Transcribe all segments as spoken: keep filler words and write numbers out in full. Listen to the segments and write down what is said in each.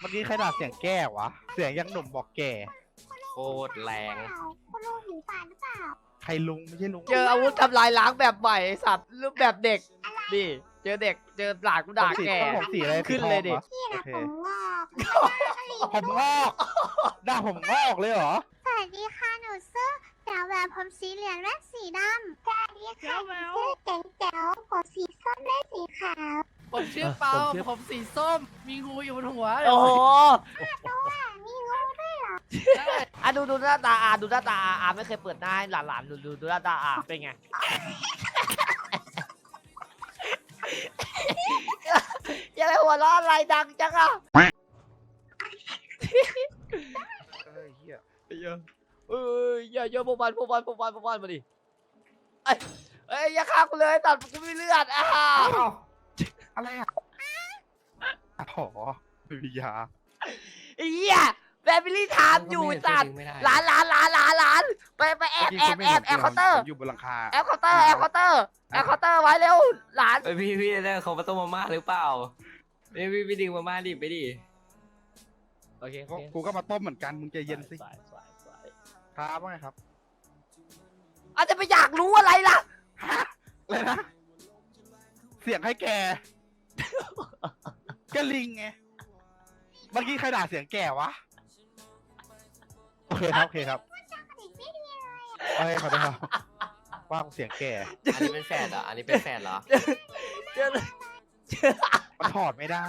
มื่อกี้ใครด่าเสียงแก้วะเสียงยังหนุ่มบอกแก่โคตรแรงคุณลุงหิวปากหรือเปล่าใครลุงไม่ใช่ลุงเจออาวุธทำลายล้างแบบใหม่สัตว์รูปแบบเด็กดิเจอเด็กเจอหลานกูด่าแก่ผมสีอะไรขึ้นเลยดิพี่นะผมงอกผมงอกด่าผมงอกเลยเหรอสวัสดีค่ะหนูซื้อแจ๋วแหวนผมสีเหลืองและสีดำสวัสดีค่ะหนูซื้อเจ๋งแจ๋วผมสีส้มและสีขาวผมชื่อเปาผมสีส้มมีงูอยู่บนหัวโอ้โหมีงูด้วยเหรออ่ะดูดูหน้าตาอาดูหน้าตาอาอาไม่เคยเปิดหน้าให้หลานๆดูดูดูหน้าตาอาเป็นไงยังไงหัวเราะอะไรดังจังอ่ะเฮ้ยเฮียเยอะเอ้ยอย่าเยอะพวกมันพวกมันพวกมันพวกมันมาดิเอ้ยเอ้ยอย่าฆ่ากูเลยตัดกูไม่เลือดอ่ะอะไรอ่ะอ๋อไม่มียาไอ้เหี้ยแฟมิลี่ไทม์อยู่สัตว์หลานหลานหลานหลานหลานไปไปแอบแอบแอบแอบเคาน์เตอร์อยู่บนหลังคาแอบเคาน์เตอร์แอบเคาน์เตอร์แอบเคาน์เตอร์ไว้เร็วหลานเอ้ยพี่พี่ได้เขามาต้มมาม่าหรือเปล่าพี่พี่พี่ดึงมาม่าดิไปดิโอเคโอเคกูก็มาต้มเหมือนกันมึงใจเย็นสิครับว่าไงครับอาจจะไปอยากรู้อะไรล่ะอะไรนะเสียงให้แกก็ลิงไงเมื่อกี้ใครด่าเสียงแก่วะโอเคครับโอเคครับโอเคขอโทษครับว่าเสียงแก่อันนี้เป็นแฟนเหรออันนี้เป็นแฟนเหรอเจอมันถอดไม่ได้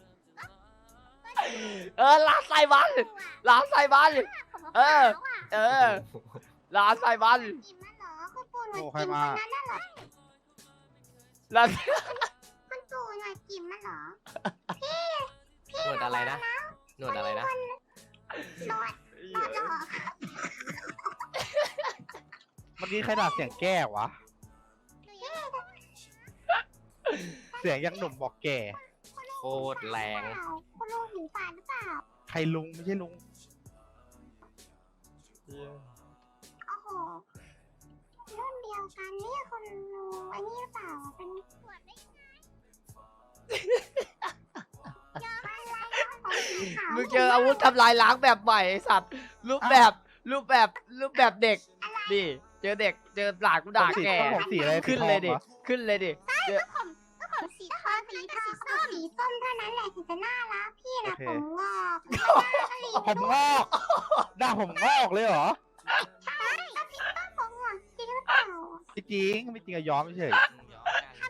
เออหลานใส่บันหลานใส่บันเออ เออหลานใส่บันกินมันเหรอคุณปู่หน่อยกินมันนั่นเหรอหลานคุณปู่หน่อยกินมันเหรอหนวดอะไรนะหนวดอะไรนะนวดนวดเหรอเมื่อกี้ใครด่าเสียงแก้วะเสียงยังหนุ่มบอกแก่โคตรแรงคุณลุงหิวปากหรือเปล่าใครลุงไม่ใช่ลุงโอ้โหรุ่นเดียวกันเนี่ยคุณลุงอันนี้หรือเปล่าเป็นขวดได้ไงเยอะอะไรของสีขาวมึงเจออาวุธทำลายล้างแบบใหม่สัตว์รูปแบบรูปแบบรูปแบบเด็กดิเจอเด็กเจอหลานกูด่าแก่ผมสีอะไรขึ้นเลยดิขึ้นเลยดิผมสีทองสีทองส้มสีส้มเท่านั้นแหละถึงจะน่ารักพี่นะผมงอกผมงอกด่าผมงอกเลยเหรอผมงอกจริงหรือเปล่าไม่จริงไม่จริงอะยอมไม่เฉยผมงอก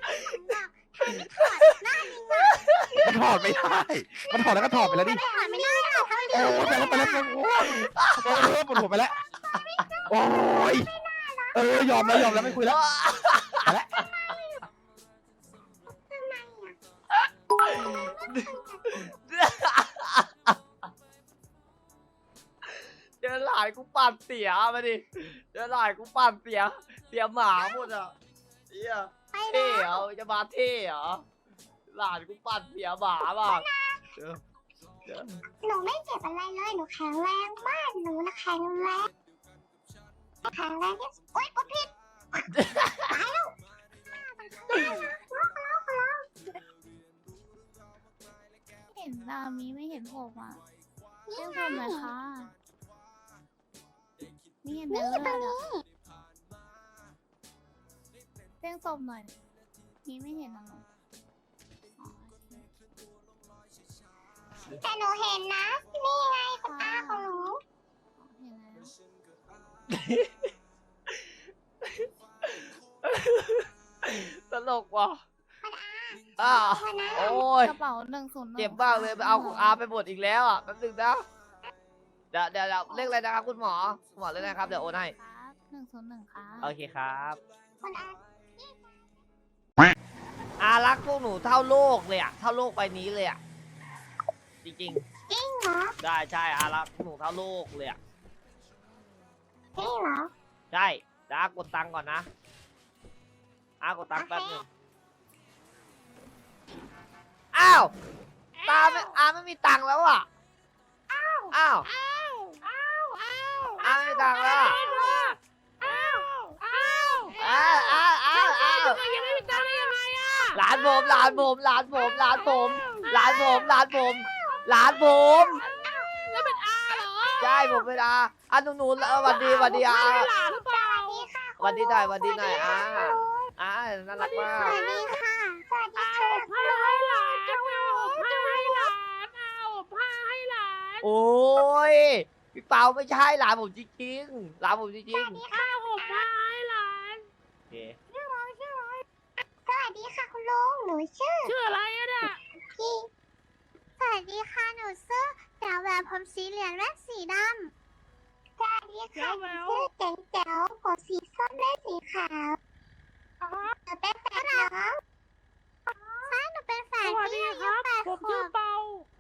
ถอดหน้าจริงนะมันถอดไม่ได้ มันถอดแล้วก็ถอดไปแล้วดิถอดไม่ได้หรอกถ้าไม่โอ้ได้ยไปแล้วไปแล้วโอ้ยโอ้ยปวดหัวไปแล้วโอ้ยเออยอมแล้วยอมแล้วไม่คุยแล้วไปแล้วเจอหลานกูปั่นเสียมาดิเจอหลานกูปั่นเสียเสียหมาหมดอ่ะเฮียไปเท่แล้วเหรอจะมาเท่เหรอหลานกูปั่นเสียหมาบ้างเจอเจอหนูไม่เจ็บอะไรเลยหนูแข็งแรงมากหนูนะแข็งแรงแข็งแรงที่สุดโอ๊ยกดผิดตายแล้วเห็นนามีไม่เห็นผมอ่ะเรียกผมหน่อยค่ะมีเห็นเนื้อเลยอ่ะเรียกศพหน่อยมีไม่เห็นอ่ะอ๋อแต่หนูเห็นนะนี่ไงคุณอาของหนูเห็นแล้วตลกว่ะอ้าวโอ้ยกระเป๋าหนึ่งศูนย์เจ็บมากเลยไปเอาของอาไปหมดอีกแล้วอ่ะแป๊บนึงนะเดี๋ยวเดี๋ยวเดี๋ยวเลขอะไรนะครับคุณหมอคุณหมอเลขอะไรครับเดี๋ยวโอนให้ครับหนึ่งศูนย์หนึ่งครับโอเคครับคุณอาอารักพวกหนูเท่าโลกเลยอ่ะเท่าโลกใบนี้เลยอ่ะจริงจริงเหรอๆได้ใช่อารักพวกหนูเท่าโลกเลยอ่ะจริงเหรอใช่เดี๋ยวอากดตังค์ก่อนนะอากดตังค์แป๊บนึงอ้าวตาไม่อาไม่มีตังค์แล้วอ่ะอ้าวอ้าวอ้าวอาไม่มีตังค์แล้วอ้าวอ้าวอ้าวอ้าวอ้าวอ้าวยังไม่มีตังค์ได้ยังไงอ่ะหลานผมหลานผมหลานผมหลานผมหลานผมหลานผมหหลานผมแล้วเป็นอาเหรอใช่ผมเป็นอาอ่ะหนูหนูเออหวันดีหวันดีอาหลานหรือเปล่าหวันดีหน่อยหวันดีหน่อยอาอาน่ารักมาสกวัสดีค่ะสวัสดีเอาค่ะผ้าให้หลานเอาผ้าให้หลานเอาผ้าให้หลานโอ้ยพี่เปาไม่ใช่หลานผมจริงๆหลานผมจริงข้าวห่มผ้าให้หลานๆโอเคสวัสดีค่ะคุณลุงหนูชื่อชื่ออะไรอะเนี่ยพี่สวัสดีค่ะหนูชื่อแจ๋วแหวนผมสีเหลืองและสีดำสวัสดีค่ะหนูชื่อเจ๋งแจ๋วผมสีส้มและสีขาวหนูเป็นแฝดน้องใช่หนูเป็นแฝสดวัสพี่ดีอาคยุรับแปดผมขชื่วอบ เปา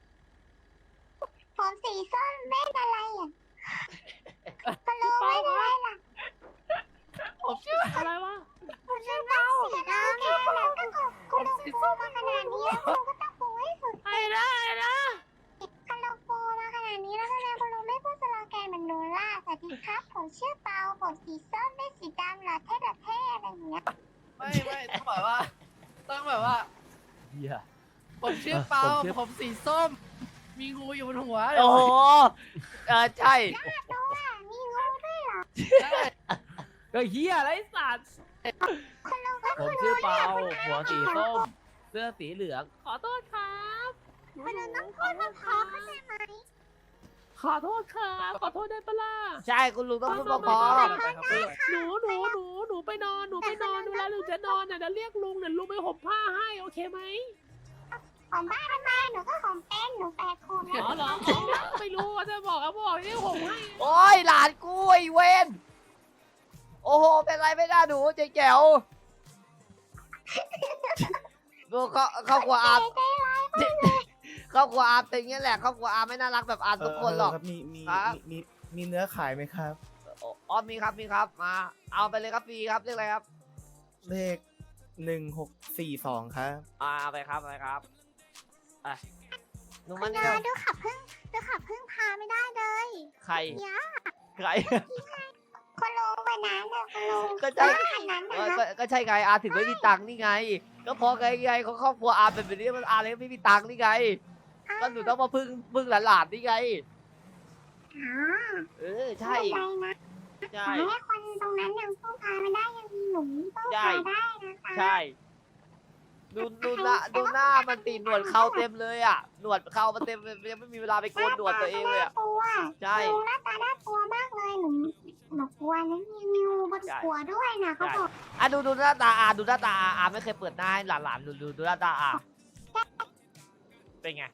ผมสีส้มเล่นอะไรอ่ะคุณลุงเล่นอะไรล่ะผมชื่ออะไรวะคุณลุงเล่นสีดำแล้วก็คุณลุงปูมาขนาดนี้แล้วคุณลุงก็ต้องปูให้สุดไอ้นะไอ้นะคุณลุงปูมาขนาดนี้แล้วทำไมคุณลุงไม่พูดสโลแกนเหมือนหนูล่ะสวัสดีครับผมชื่อเปาผมสีส้มเล่นสีดำหล่อเท่หล่อเท่อะไรอย่างเงี้ยไม่ไม่ต้องแบบว่า ต้องแบบว่าเฮียผมชื่อเปาผมชื่อผมสีส้ม มีงูอยู่บนหัวโอ้โหเออใช่ดูอ่ะมีงูด้วยเหรอใช่ก็เฮียอะไรสัตว์คุณลุงก็ผมชื่อเปาหัวสีส้ม เสื้อสีเหลืองขอโทษครับคุณลุงต้องพูดมาพอเข้าใจไหมขอโทษครับขอโทษได้ปะล่ะใช่คุณลุงต้องพูดเพอหนูหนูหนูหนูไปนอนหนูไปนอนเวลาหนูจะนอนน่ะเดี๋ยวเรียกลุงเดี๋ยวลุงไปห่มผ้าให้โอเคไหมผมบ้าทำไมหนูก็ของเป็นหนูแปดขวบอ๋อเหรออ๋อไม่รู้ว่าจะบอกก็บอกนี่ห่มให้ๆโอ้ยหลานกูไอ้เวนโอ้โหเป็นไรไม่ได้หนูเจ๊แจ๋วดูเขาเขากลัวอาเขากลัวอาเป็นอย่างเงี้ยแหละเขากลัวอาไม่น่ารักแบบอาทุกคนหรอกเครับมีมีครับมีมีมีเนื้อขายไหมครับอ๋อมีครับมีครับมาเอาไปเลยครับฟรีครับเรียกอะไรครับเลขหนึ่งหกสี่สองครับอ่าเอาไปครับเอาไปครับไปหนูคุมันณนี่นาเร็วดูขับพึ่งดูขับพึ่งพาไม่ได้เลยใครยะใครคุณลุงวันนั้นน่ะคุณลุงก็ใช่วันนั้นเอนะอก็ก็ใช่ไงอาถึงไม่มีตังค์นี่ไง ก็เพอไงไงเขาครอบครัวอาเป็นแบบนี้มันอาเลยไม่มีตังค์นี่ไงก็หนูต้องมาพึ่งพึ่งหลานๆนี่ไงอ๋อเออใช่ใจนะใช่แต่ให้คนตรงนั้นยังพึ่งพาไม่ได้ยังมีหนุ่มพึ่งพาได้นะคะใช่ดูดูหน้าดูหน้ามันตีหนวดเขาเต็มเลยอ่ะหนวดเขามันเต็มเลยยังไม่มีเวลาไปโกนหนวดตัวเองเลยอ่ะน่ากลัวใช่ลุงหน้าตาน่ากลัวมากเลยหนูหนูกลัวนะมีงูบนหัวด้วยนะเขาบอกอ่ะดูดูหน้าตาอาดูหน้าตาอาอาไม่เคยเปิดหน้าให้หลานๆดูดูดูหน้าตาอาเป็นไง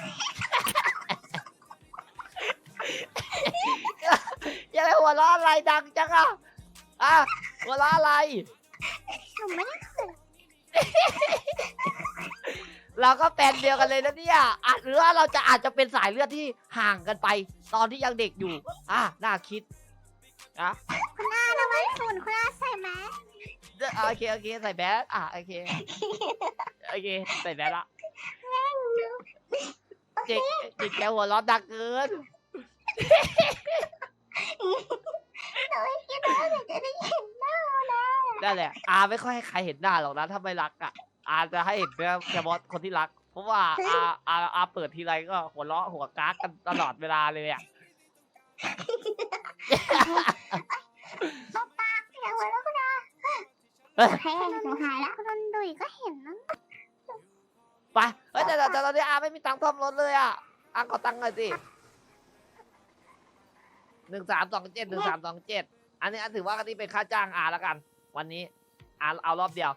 ยังไงหัวเราะอะไรดังจังอ่ะอ่ะหัวเราะอะไรหนูไม่ได้เขินเราก็แฟนเดียวกันเลยนะเนี่ยอาจหรือว่าเราจะอาจจะเป็นสายเลือดที่ห่างกันไป ตอนที่ยังเด็กอยู่ อ่ะน่าคิดอ่ะคุณอาระวังฝุ่นคุณอาใส่แมสเอ่อโอเคโอเคใส่แบสอ่ะโอเคโอเคใส่แบสละเจ๊กเจ๊กแกหัวเร้อนดังเกินหนูไม่คิดว่าหนูจะได้เห็นหน้านะนั่นแหละอาไม่ค่อยให้ใครเห็นหน้าหรอกนะถ้าไม่รักอ่ะอาจะให้เห็นแค่เฉพาะคนที่รัก เพราะว่าอาอาอาเปิดทีไรก็หัวเราะหัวกากกันตลอดเวลาเลยอ่ะตบปากอย่าหัวเราะคุณอาเฮ้ยโอเคหนูหายแล้วคุณนนดุยก็เห็นนะไปเฮ้ยแต่แต่แต่ตอนนี้อาไม่มีตังค์ซ่อมรถเลยอ่ะอาขอตังค์หน่อยสิหนึ่งสามสองเจ็ดหนึ่งสามสองเจ็ดอันนี้อันถือว่าอันนี้เป็นค่าจ้างอาแล้วกัน วันนี้อาเอารอบเดียว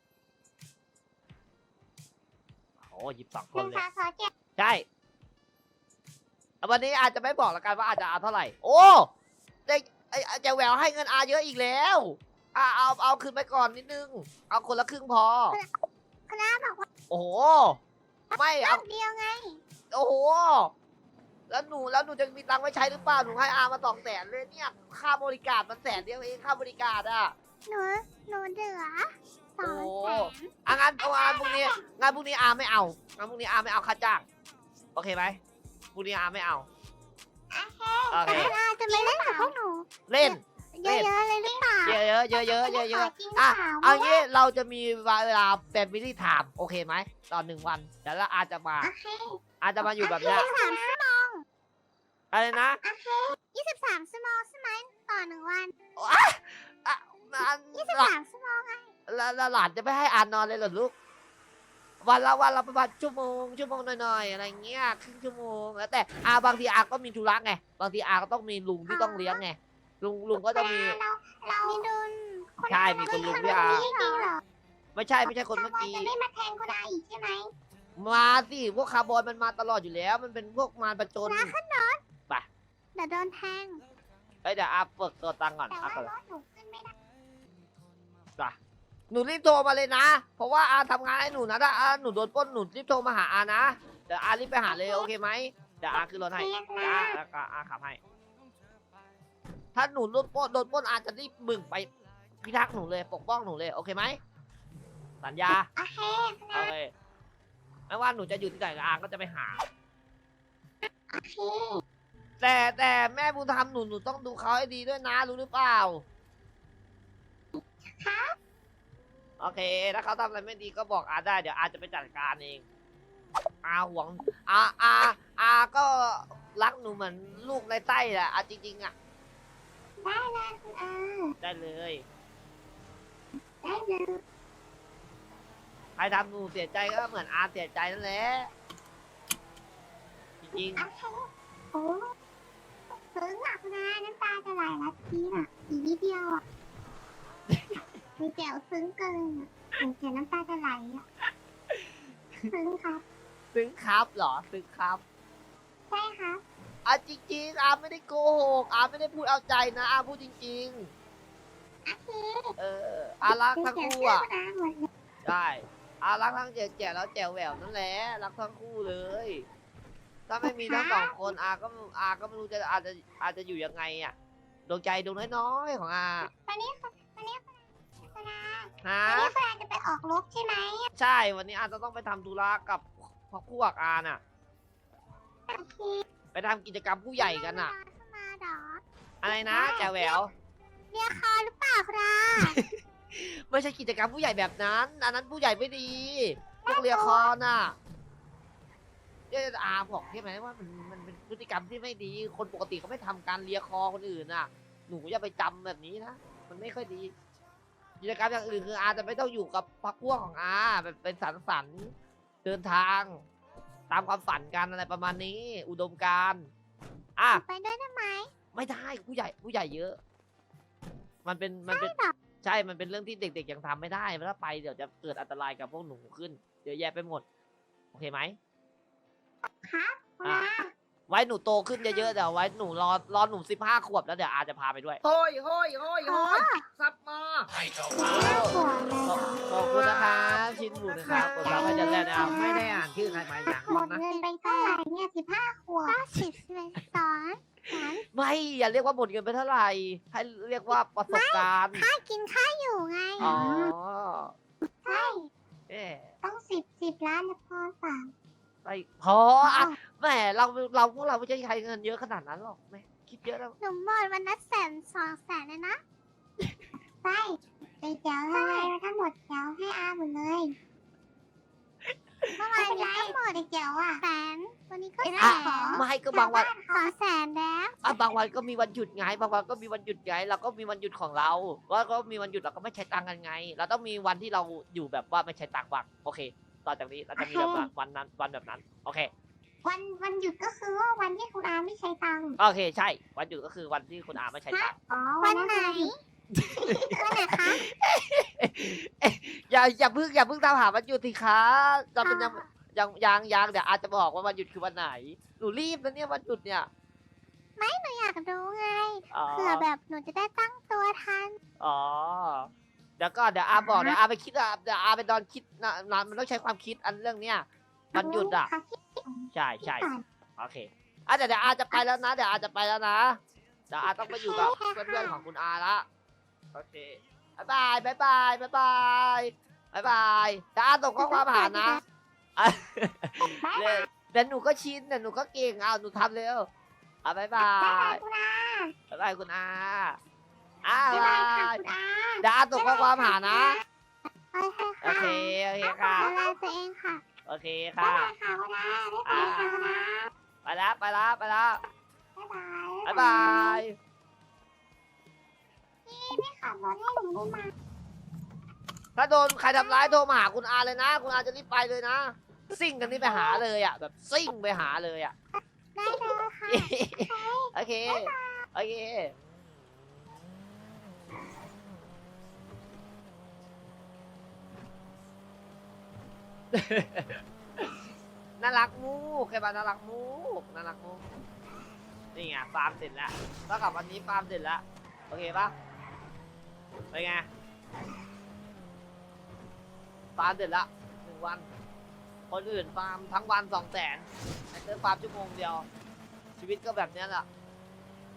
โอ้หยิบสองหคนนึ่งเลยสามสองเจ็ดใช่วันนี้อาจจะไม่บอกแล้วกันว่าอาจจะอาเท่าไหร่ โอ้เจ๊ไอ้เจ๊แหววให้เงินอาเยอะอีกแล้วอ่าเอาเอาคืนไปก่อนนิดนึง เอาคนละครึ่งพอคุณอาบอกว่าโอ้โห ไม่รเอาอบเดียวไงโอ้โห แล้วหนูแล้วหนูจะมีตังค์ไว้ใช้หรือเปล่า หนูให้อามาสองแสนเลยเนี่ย ค่าบริการมันแสนเดียวเองค่าบริการอ่ะหนูหนูเหลือสองโอ้แสนอ่ะงั้นเอางานพรุ่งนี้งานพรุ่งนี้อาไม่เอางานพรุ่งนี้อาไม่เอาค่าจ้าง โอเคไหมพรุ่งนี้อาไม่เอา โอแต่เคคุณอาจะไม่เล่นกับพวกหนูเล่นเยอะๆเลยหรือเปล่าเยอะเยอะเยอะเยอะเยอะเยอะจริงหรืออ่ะเปล่าเอางี้เราจะมีเวลาแฟมิลี่ไทม์โอเคไหมตอนหนึ่งวันเดี๋ยวเราอาจจะมาโอเคอาจะมาอยู่แบบเนี้ยยี่สิบสามชั่วโมงอะไรนะยี่สิบสามชั่วโมงใช่ไหมต่อหนึ่งวันอ่ะอ่ะอันยี่สิบหลาสามชั่วโมงไงแล้วแล้วหลานจะไม่ให้อานนอนเลยเหรอลูก วันละวันละประมาณชั่วโมงชั่วโมงหน่อยๆอะไรเงี้ยครึ่งชั่วโมงแล้วแต่อาบางทีอาก็มีธุระไงบางทีอาก็ต้องมีลุงที่ต้องเลี้ยงไงลุงลุงก็ต้องมีเราเรามีดุลใช่มีคนลุงด้วยอาจริงเหรอไม่ใช่ไม่ใช่คนเมื่อกี้จะไม่มาแทนคุณอาอีกใช่ไหมมาสิพวกคาร์บอนมันมาตลอดอยู่แล้ว มันเป็นพวกมารประจนเดี๋ยวโดนแทงเอ้ยเดี๋ยวอาเปิดตัวตังค์ก่อนแต่อาว่าก่อนรถหนูขึ้นไม่ได้จ้ะหนูรีบโทรมาเลยนะ เพราะว่าอาทำงานให้หนูนะถ้าอาหนูโดนปล้นหนูรีบโทรมาหาอานะเดี๋ยวอารีบไปหาเลยโอเคไหมเดี๋ยวอาขึ้นรถให้จ้าแล้วก็อาขับให้ ถ้าหนูโดนปล้นโดนปล้นอาจะรีบบึ่งไปพิทักษ์หนูเลยปกป้องหนูเลยโอเคไหมสัญญาโอเคโอเคไม่ว่าหนูจะอยู่ที่ไหนอาก็จะไปหาโอเคแต่แต่แม่บุญธรรมหนูหนูต้องดูเขาให้ดีด้วยนะรู้หรือเปล่าครับโอเคถ้าเขาทำอะไรไม่ดีก็บอกอาได้เดี๋ยวอาจะไปจัดการเองอาหวงอาอาอาก็รักหนูเหมือนลูกในไส้แหละอาจริงๆอ่ะได้เลยคุณอาได้เลยได้เลยใครทำหนูเสียใจก็เหมือนอาเสียใจนั่นแหละจริงโอเคโอ้ซึ้งอ่ะคุณอาน้ำตาจะไหลแล้วทีน่ะอีกนิดเดียวอ่ะมีแจ๋วซึ้งเกินอ่ะเห็นน้ำตาจะไหลอ่ะซึ้งครับๆซึ้งครับเหรอซึ้งครับใช่ครับอาจริงๆอาไม่ได้โกหกอาไม่ได้พูดเอาใจนะอาพูดจริงโอเคๆ เอออารักทั้งคู่อ่ะคุณอาหมดเลยใช่อารักทั้งแจ๋แจ๋แล้วแจ๋วแหววนั่นแหละรักทั้งคู่เลย ถ้าไม่มีทั้งสองคนอาก็อาก็ไม่รู้จะอาจจะอาจจะอยู่ยังไงอ่ะดวงใจดวงน้อยๆของอาวันนี้คุณวันนี้คุณอาฮะวันนี้คุณอาจะไปออกรบใช่ไหมใช่วันนี้อาจะต้องไปทำธุระกับพวกอาน่ะโอเคไปทำกิจกรรมผู้ใหญ่กันอ่ะขึ้นมาเหรออะไรนะแจ๋วแหววเรียกคอหรือเปล่าครับไม่ใช่กิจกรรมผู้ใหญ่แบบนั้น อันนั้นผู้ใหญ่ไม่ดีพวกเรียคอน่ะเดี๋ยวอาบอกใช่ไหมว่ามันมันเป็นพฤติกรรมที่ไม่ดี คนปกติเขาไม่ทำการเลียคอคนอื่นน่ะ หนูอย่าไปจำแบบนี้นะมันไม่ค่อยดี กิจกรรมอย่างอื่นคืออาจะไม่ต้องอยู่กับพรรคพวกของอาแบบเป็นสังสรรค์เดินทาง ตามความฝันกันอะไรประมาณนี้ อุดมการณ์อ่ะไปด้วยได้ไหมไม่ได้ผู้ใหญ่ผู้ใหญ่เยอะ มันเป็นมันเป็นใช่เหรอใช่ มันเป็นเรื่องที่เด็กๆยังทำไม่ได้ถ้าไปเดี๋ยวจะเกิดอันตรายกับพวกหนูขึ้นเดี๋ยวแย่ไปหมด โอเคไหมครับคุณอ่ะอาไว้หนูโตขึ้นเยอะๆเดี๋ยวไว้หนูรอรอหนูสิบห้าขวบแล้วเดี๋ยวอาจะพาไปด้วยโฮ้ยโฮ้ยโฮ้ยอ๋อโฮ้ยซับมาน่ากลัวเลยเหรอขอบคุณนะครับชินบุญนะครับกดซับให้เดือนแรกนะครับไม่ได้อ่านชื่อใครมาอย่างหมบ้างดนะเงินไปเท่าไหร่เนี่ยสิบห้าขวบเก้าสิบสิบเอ็ดสอนสามไม่อย่าเรียกว่าหมดเงินไปเท่าไหร่ ให้เรียกว่าประสบการณ์ค่ากินค่าอยู่ไงอ๋อใช่เอ๊ะต้องสิบสิบล้านนะพ่อสามไปพออ่ะแหมเราเราพวกเราไม่ใช่ใครเงินเยอะขนาดนั้นหรอกแม่คิดเยอะแล้วหนูหมดวันละแสนสองแสนเลยนะใช่ไปเจ้าเท่าไหร่ทั้งหมดเจ้าให้อาหมดเลยเมื่อวานนี้ก็หมดเจ้าอ่ะแสนวันนี้ก็แสอ่ะนไม่ก็บางวันสองแสนแล้วอ่ะบางวันก็มีวันหยุดไงบางวันก็มีวันหยุดไงเราก็มีวันหยุดของเราว่าก็มีวันหยุดเราก็ไม่ใช้ตังค์กันไง เราต้องมีวันที่เราอยู่แบบว่าไม่ใช้ตังค์บ้างโอเคต่อจากนี้เราจะมีแบบว่าวันนั้นวันแบบนั้นโอเควันวันหยุดก็คือว่าวันที่คุณอาไม่ใช้ตังค์โอเคใช่ วันหยุดก็คือวันที่คุณอาไม่ใช้ตังค์อ๋อวันไหนวันไหนคะอย่าอย่าเพิ่งอย่าเพิ่งตามหาวันหยุดสิคะจะเป็นยังยังยังยังเดี๋ยวอาจจะบอกว่าวันหยุดคือวันไหนหนูรีบนะเนี่ยวันหยุดเนี่ยหนูอยากรู้ไงอ๋อเผื่อแบบหนูจะได้ตั้งตัวทันอ๋อเดี๋ยวก็เดี๋ยวอาบอกเดี๋ยวอาไปคิดอ่ะเดี๋ยวอาไปนอนคิดนะนอนมันต้องใช้ความคิดอันเรื่องเนี้ยวันหยุดอ่ะค่ะคิดใช่ใช่ก่อนโอเคอ่ะเดี๋ยวเดี๋ยวอาจะไปแล้วนะเดี๋ยวอาจะไปแล้วนะเดี๋ยวอาต้องไปอยู่กับเพื่อนๆของคุณอาละโอเคบายบายบายบายบายบายบายบายเดี๋ยวอาส่งข้อความหานะอ่ะเดี๋ยวเดี๋ยวหนูก็ชินเดี๋ยวหนูก็เก่งเอาหนูทำเร็วอ่ะบายบาบ๊ายบายยคุณอาบายบายคุณอาอ่ะบ๊ายบาบายค่ะยคุณอาเดี๋ยวอาส่งข้อความหานะโอเคโอค่ะเคโอเคค่ะดูแลตัวเองค่ะโอเคบ๊ายค่ะบายค่ะวันนะบ๊ายบายค่ะวันนะไปแล้วไปแล้วไปแล้วบ๊ายบายบ๊ายบายพี่ไม่ขับรถให้หนูได้ไหมถ้าโดนใครทำร้ายโทรมาหาคุณอาเลยนะ คุณอาจะรีบไปเลยนะ ซิ่งกันนี่ไปหาเลยอ่ะ แบบซิ่งไปหาเลยอ่ะได้เลยค่ะโอเค โอเค น่ารักมูกใครบ้าน่ารักมูกน่ารักมูกนี่ไงฟาร์มเสร็จแล้วเท่ากับวันนี้ฟาร์มเสร็จแล้วโอเคปะเป็นไงฟาร์มเสร็จแล้วหนึ่งวัน คนอื่นฟาร์มทั้งวันสองแสนไอ้เตอร์ฟาร์มชั่วโมงเดียว ชีวิตก็แบบเนี้ยแหละ